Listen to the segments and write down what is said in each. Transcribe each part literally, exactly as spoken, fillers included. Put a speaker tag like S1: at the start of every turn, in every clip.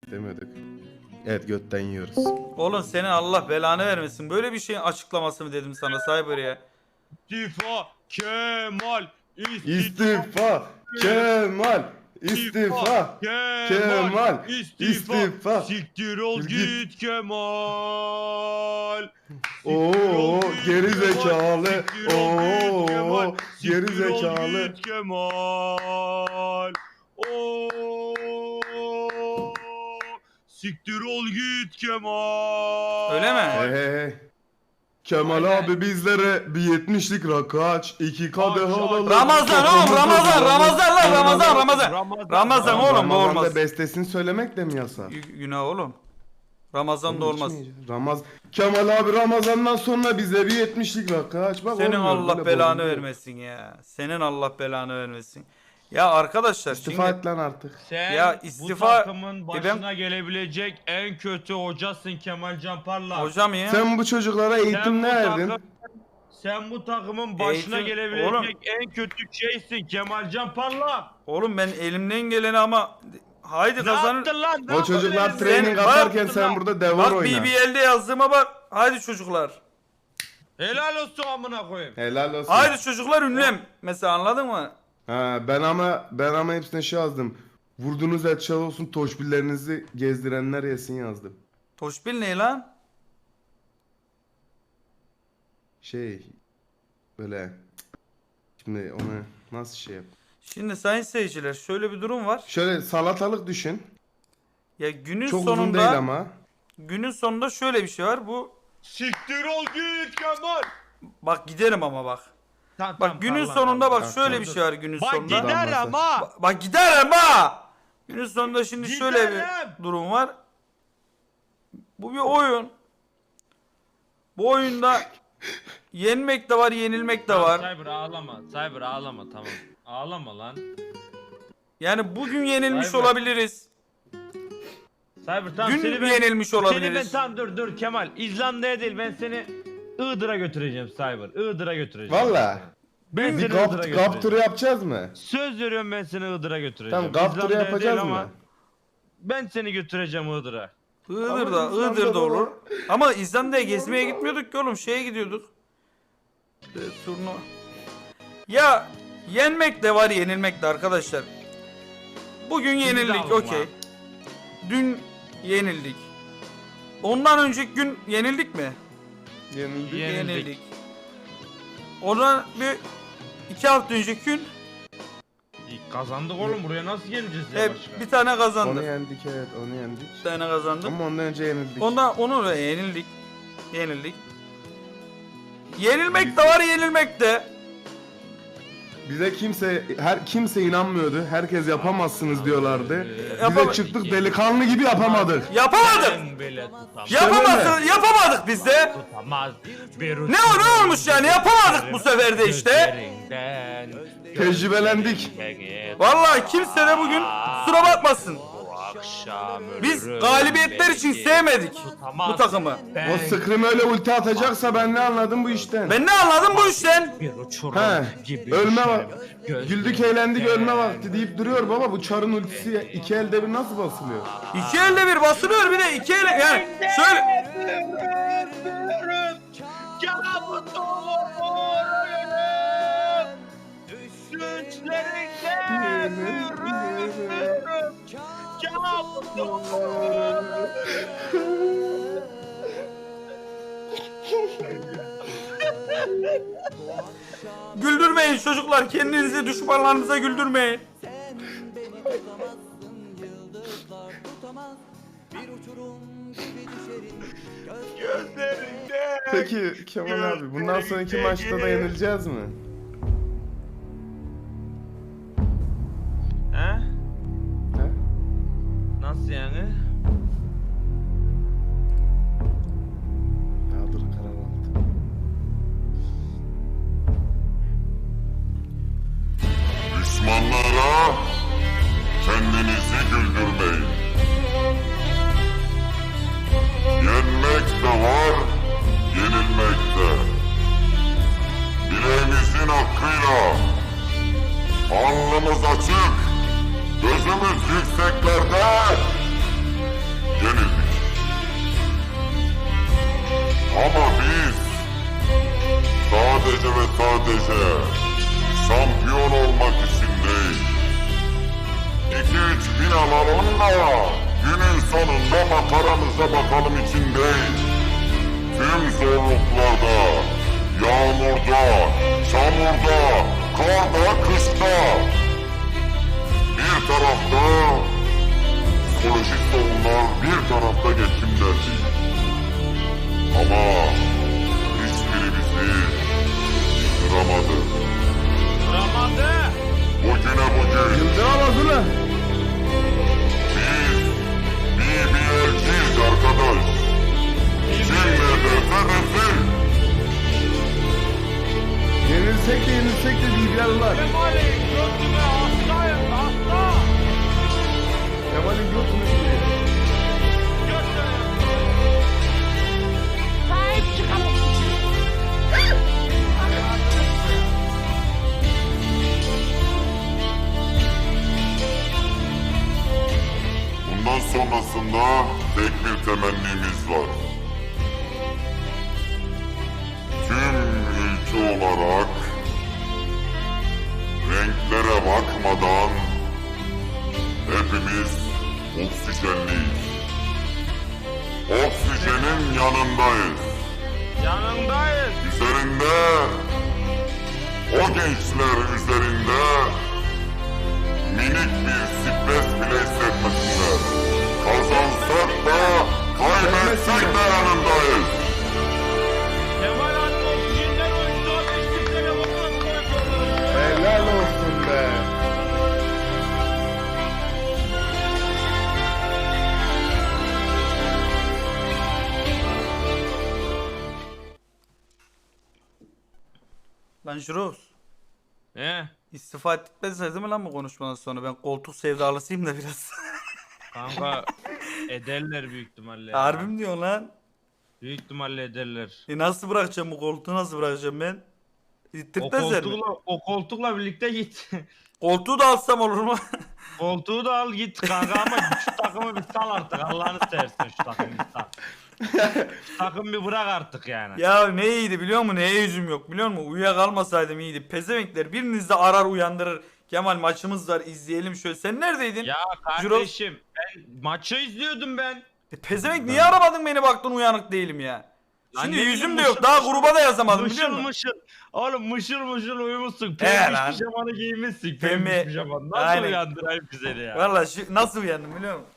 S1: Demiyorduk. Evet, götten yiyoruz.
S2: Oğlum senin Allah belanı vermesin. Böyle bir şeyin açıklaması mı dedim sana Cyber ya?
S3: İstifa Kemal.
S1: İstifa Kemal. İstifa Kemal. İstifa.
S3: Siktir ol
S1: Git.
S3: git Kemal.
S1: Oo geri zekalı. Oo geri
S3: Siktir ol
S1: zekalı.
S3: git Kemal. Oo. Siktir ol git Kemal.
S2: Öyle mi?
S1: Hey hey hey. Kemal
S3: Aynen.
S1: abi bizlere bir yetmişlik rakı aç. iki kadeh
S3: Aç, aç.
S1: alalım.
S2: Ramazan oğlum Ramazan Ramazan lan Ramazan Ramazan. Ramazan oğlum bu
S1: Ramazan'da
S2: olmaz.
S1: bestesini söylemek de mi yasak?
S2: Gü- Günah oğlum. Ramazan da olmaz.
S1: Ramaz Kemal abi Ramazan'dan sonra bize bir yetmişlik rakı aç. Bak,
S2: Senin
S1: olmuyor,
S2: Allah
S1: böyle
S2: belanı
S1: bozuluyor.
S2: vermesin ya. Senin Allah belanı vermesin. Ya arkadaşlar
S1: İstifa
S2: şimdi
S1: et lan artık.
S3: Sen
S2: Ya
S3: bu
S2: istifa-
S3: takımın
S2: E
S3: başına
S2: ben-
S3: gelebilecek en kötü hocasın Kemal Can Parlak.
S2: hocam ya.
S1: Sen bu çocuklara
S3: Sen
S1: eğitim
S3: bu
S1: ne verdin?
S3: takım- Sen bu takımın başına
S2: Eğitim-
S3: gelebilecek
S2: Oğlum.
S3: en kötü şeysin Kemal Can Parlak.
S2: Oğlum ben elimden geleni ama haydi
S3: Ne
S2: kazanır.
S3: yaptın lan? Ne
S1: O çocuklar
S3: yaptın?
S1: training
S2: Sen-
S1: atarken
S3: bak-
S1: sen burada devar
S2: Bak
S1: oyna.
S2: B B L'de yazdığıma bak. Haydi çocuklar.
S3: Helal olsun amına koyayım.
S1: Helal olsun.
S2: Haydi çocuklar ünlem. Mesela anladın mı?
S1: Ha, ben ama ben ama hepsine şey yazdım. Vurduğunuz et çal olsun, toşbillerinizi gezdirenler yesin yazdım.
S2: Toşbil ne lan?
S1: Şey böyle şimdi onu nasıl şey yap?
S2: Şimdi sayın seyirciler şöyle bir durum var.
S1: Şöyle salatalık düşün.
S2: Ya günün
S1: Çok uzun
S2: sonunda
S1: değil ama.
S2: günün sonunda şöyle bir şey var. Bu
S3: Siktir ol git Kemal.
S2: bak giderim ama bak.
S3: Tamam,
S2: Bak
S3: tamam,
S2: günün
S3: Allah
S2: sonunda
S3: Allah.
S2: bak
S1: Tamam,
S2: şöyle
S1: tamam.
S2: bir şey var günün
S3: Bak
S2: sonunda.
S3: gider
S1: Damlası.
S3: ama.
S2: Bak, bak giderim ha. Günün sonunda şimdi şöyle
S3: Giderim.
S2: bir durum var. Bu bir oyun. Bu oyunda yenmek de var, yenilmek de var.
S3: Cyber ağlama. Cyber ağlama tamam. Ağlama lan.
S2: Yani bugün yenilmiş
S3: Cyber.
S2: olabiliriz.
S3: Cyber tamam
S2: Dün
S3: seni ben,
S2: yenilmiş
S3: Seni ben
S2: olabiliriz.
S3: tamam dur dur Kemal. İzlanda'ya değil ben seni Iğdır'a götüreceğim Cyber. Iğdır'a götüreceğim.
S1: Valla.
S3: Ben
S1: Bir
S3: seni Iğdır'a
S1: gap, gap
S3: götüreceğim.
S1: turu yapacağız mı?
S3: Söz veriyorum ben seni Iğdır'a götüreceğim.
S1: Tamam, gap turu
S3: İzlanda'ya
S1: yapacağız
S3: değil
S1: mı?
S3: ama Ben seni götüreceğim Iğdır'a.
S2: Iğdır'da,
S1: Ama İzlanda'da
S2: Iğdır'da
S1: olur.
S2: olur. Ama İzlanda'ya gezmeye gitmiyorduk ki oğlum, şeye gidiyorduk. Ee, turnuva. Ya yenmek de var, yenilmek de arkadaşlar. Bugün yenildik,
S3: alın
S2: okey.
S3: lan.
S2: Dün yenildik. Ondan önceki gün yenildik mi?
S1: Yenildik.
S3: Yenildik.
S2: Ondan bir iki hafta önceki gün
S3: İyi, kazandık oğlum buraya nasıl geleceğiz ya
S2: hep
S3: başka?
S2: bir tane
S1: Onu
S2: kazandık.
S1: yendik, evet, onu yendik.
S2: Bir tane kazandık.
S1: Ama ondan önce yenildik.
S2: Ondan onu da yenildik. Yenildik. Yenilmek de var, yenilmek de.
S1: Bize kimse her kimse inanmıyordu. Herkes yapamazsınız diyorlardı. Bize
S2: Yapama-
S1: çıktık delikanlı gibi yapamadık.
S2: Yapamadık.
S3: Ben bile tutamaz.
S2: Yapamazsın, yapamadık biz de.
S3: Tutamaz. Bir
S2: Ne o ne olmuş yani, yapamadık bu sefer de işte.
S3: Gözlerinden,
S1: Tecrübelendik.
S3: gözlerinden
S2: Vallahi kimse de bugün kusura bakmasın.
S3: bu akşam
S2: Biz
S3: ölürüm
S2: galibiyetler için
S3: belki.
S2: sevmedik
S3: Tutamaz.
S2: bu takımı.
S3: Ben
S1: O Scream öyle ulti atacaksa ben ne anladım bu işten?
S2: Ben ne anladım bu işten?
S3: bir uçurum
S1: He,
S3: gibi
S1: ölme
S3: düşerim.
S1: var.
S3: Gözlerimden-
S1: Güldük eğlendik ölme vakti deyip duruyor baba, bu çarın ultisi iki elde bir nasıl basılıyor?
S2: İki elde bir basılıyor, bir de iki elle yani şöyle. Güldürmeyin çocuklar, kendinizi düşmanlarınıza güldürmeyin.
S1: Peki Kemal abi bundan sonraki maçta da yenileceğiz mi?
S3: He?
S1: He?
S3: Nasıl yani?
S1: Ya dur, karar aldım.
S4: Düşmanlara kendinizi güldürmeyin. Yenmek de var, yenilmek de. Bileğimizin hakkıyla alnımız açık, gözümüz yükseklerde, Yoksa bakalım içindeyiz. Tüm zorluklarda, yağmurda, çamurda, karda, kışta. Bir tarafta psikolojik sorunlar, bir tarafta geçim derdi. Ama hiçbiri bizi yıkıramadı.
S3: Ramazı.
S4: Bugüne bugün
S1: Yıldıramaz ulan.
S4: biz bir bir elçiyiz arkadaş. Kim ne derse desin.
S1: Yenilsek de yenilsek de bilgiler
S3: Kemal'i götüme hastayım hasta.
S1: Kemal'in götünü yiyor.
S5: Sahip çıkalım.
S4: Bundan sonrasında tek bir temennimiz var. Tüm ülke olarak renklere bakmadan hepimiz oksijenliyiz. Oksijenin yanındayız.
S3: Yanındayız.
S4: Üzerinde, o gençler üzerinde minik bir stres bile hissetmesinler. Kazansak da, kaybetsek de yanındayız.
S3: Kemal Hanım oksijenler oyuncağı beş bin telefonuna koyuyorlar.
S1: Helal olsun be.
S2: Lan Jurox.
S3: He?
S2: İstifa etmezsiniz değil mi lan bu konuşmadan sonra? Ben koltuk sevdalısıyım da biraz.
S3: Kanka ederler büyük ihtimalle. ya.
S2: Harbi mi diyorsun lan?
S3: Büyük ihtimalle ederler.
S2: E nasıl bırakacağım bu koltuğu, nasıl bırakacağım ben?
S3: O
S2: İttirtmezler mi?
S3: koltukla, o koltukla birlikte git.
S2: Koltuğu da alsam olur mu?
S3: Koltuğu da al git kanka ama şu takımı bir sal artık. Allah'ını seversen şu takımı bir sal. Şu takımı bir bırak artık yani.
S2: Ya ne iyiydi biliyor musun? Neye yüzüm yok biliyor musun? Uyuyakalmasaydım iyiydi. Pezevenkler biriniz de arar uyandırır. Kemal maçımız var izleyelim şöyle. Sen neredeydin?
S3: Ya kardeşim ben maçı izliyordum ben.
S2: E, pezevenk niye aramadın beni, baktın uyanık değilim ya.
S3: Lan
S2: Şimdi
S3: ne
S2: yüzüm
S3: bileyim,
S2: de yok.
S3: mışıl
S2: Daha
S3: mışıl-
S2: gruba da yazamadım biliyor
S3: Mışıl
S2: musun?
S3: mışıl. Oğlum mışıl mışıl uyumuşsun.
S2: He
S3: Pembiş
S2: lan.
S3: pijamanı giymişsin.
S2: Pembe-
S3: Pembiş pijamanı. Nasıl
S2: Aynen.
S3: uyandırayım ki seni ya?
S2: Valla şu nasıl uyandım biliyor musun?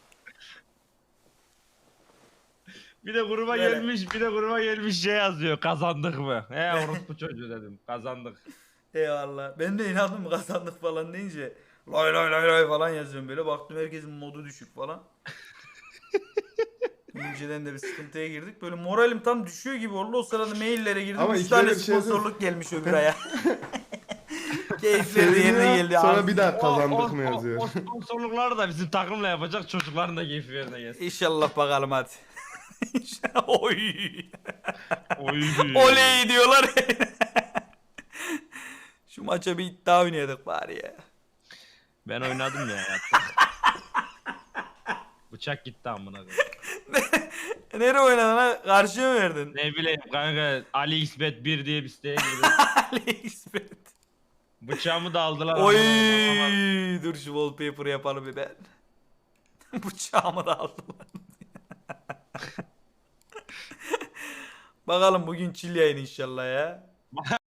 S3: Bir de gruba
S2: Böyle.
S3: gelmiş, bir de gruba gelmiş şey yazıyor. Kazandık mı? He orospu çocuğu dedim. Kazandık.
S2: Eyvallah. Ben de inandım kazandık falan deyince. Lay lay lay lay falan yazıyorum böyle. Baktım herkesin modu düşük falan. İnceden de bir sıkıntıya girdik. Böyle moralim tam düşüyor gibi oldu. O sırada maillere girdim.
S1: Ama
S2: Üç
S1: ilk
S2: tane
S1: öyle bir şey
S2: sponsorluk gelmiş öbür aya. Keyifleri de yerine
S1: Seviniyor,
S2: geldi.
S1: sonra
S2: Abi.
S1: bir daha
S3: O-
S1: kazandık
S3: o-
S1: mı
S3: o-
S1: yazıyor.
S3: O sponsorlukları da bizim takımla yapacak, çocukların da keyfi yerine gelsin.
S2: İnşallah bakalım hadi. İnşallah. Oy.
S3: Oy.
S2: Oley diyorlar. Şu maça bir iddia oynayadık bari ya.
S3: Ben oynadım ya. Bıçak gitti amına koyayım.
S2: Nereye oynadın ha? Karşıya mı verdin?
S3: Ne bileyim kanka Ali İsmet bir diye bir siteye girdim.
S2: Ali İsmet.
S3: Bıçağımı da aldılar.
S2: Oy,
S3: amına koyayım.
S2: dur şu wallpaper yapalım bir ben. Bıçağımı da aldılar. Bakalım bugün chill yayın inşallah ya.